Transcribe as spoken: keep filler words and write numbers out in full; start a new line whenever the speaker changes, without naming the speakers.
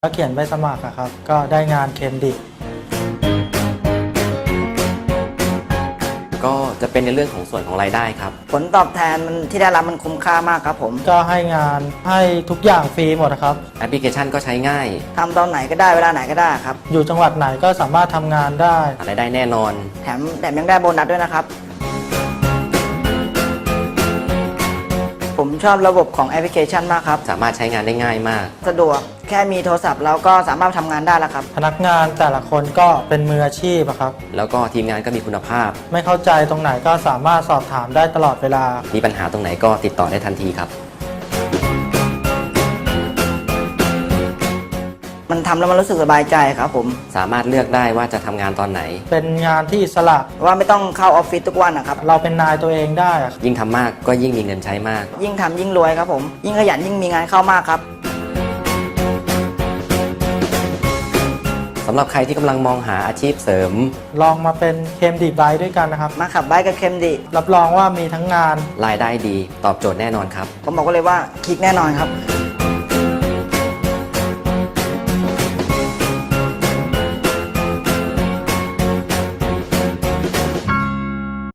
ก็เขียนใบสมัครอะครับก็ได้งานเคมดิ
ก็จะเป็นในเรื่องของส่วนของรายได้ครับ
ผลตอบแทนมันที่ได้รับมันคุ้มค่ามากครับผม
ก็ให้งานให้ทุกอย่างฟรีหมดนะครับ
แอปพลิเคชันก็ใช้ง่าย
ทำตอนไหนก็ได้เวลาไหนก็ได้ครับ
อยู่จังหวัดไหนก็สามารถทำงานได้
หารายได้แน่นอน
แถมแถมยังได้โบนัสด้วยนะครับ ผมชอบระบบของแอปพลิเคชันมากครับ
สามารถใช้งานได้ง่ายมาก
สะดวกแค่มีโทรศัพท์เราก็สามารถทำงานได้แล้วครับ
พนักงานแต่ละคนก็เป็นมืออาชีพอะครับ
แล้วก็ทีมงานก็มีคุณภาพ
ไม่เข้าใจตรงไหนก็สามารถสอบถามได้ตลอดเวลา
มีปัญหาตรงไหนก็ติดต่อได้ทันทีครับ
มันทำแล้วมันรู้สึกสบายใจครับผม
สามารถเลือกได้ว่าจะทำงานตอนไหน
เป็นงานที่อิสระ
ว่าไม่ต้องเข้าออฟฟิศทุกวันนะครับ
เราเป็นนายตัวเองได้อะ
ยิ่งทำมากก็ยิ่งมีเงินใช้มาก
ยิ่งทำยิ่งรวยครับผม ยิ่งขยันยิ่งมีงานเข้ามากครับ
สำหรับใครที่กำลังมองหาอาชีพเสริม
ลองมาเป็นเคมดิไบค์ด้วยกันนะครับ
มาขับไบค์กับเคมดี
รับรองว่ามีทั้งงาน
รายได้ดี ตอบโจทย์แน่นอนครับ
ผมบอกก็เลยว่าคลิกแน่นอนครับ